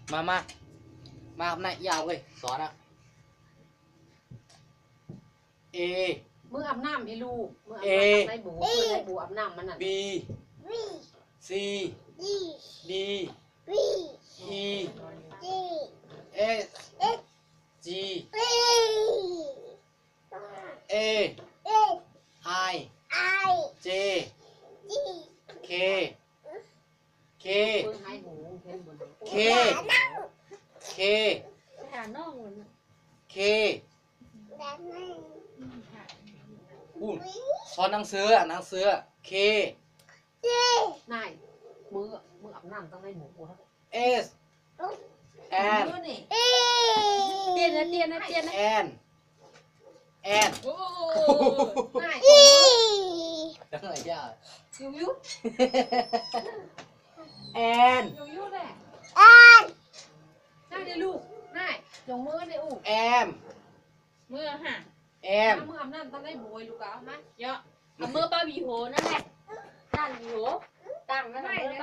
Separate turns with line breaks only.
มาhôm nayยาวเลยสอนอะ A
มืออาบน้ำให้ลูกมืออาบน้ำให้บูเพื่อให้บูอาบน้ำมันน่ะ
B C D E S G A I J K K
มือให้หูเห็นบน
K K
หาน้องมัน
K อู้สอนหนังสือหนังสือ K
นายมืออาบน้ำต้องให้บูครับ
S N
เตียนนะเตียนนะเตียนนะ
N N
โอ้
นาย
จังไรย่า
ยุยุ
N
ยุแหละนายเดี๋ยวลูกนายจงมือในอู่
M
เมื่อห่าง
M
มืออาบน้ำต้องให้บูลูกเอาไหม
เยอะเอามือป้าบีโหนั่นแหละตั้งบีโหตั้งนั่นแหละ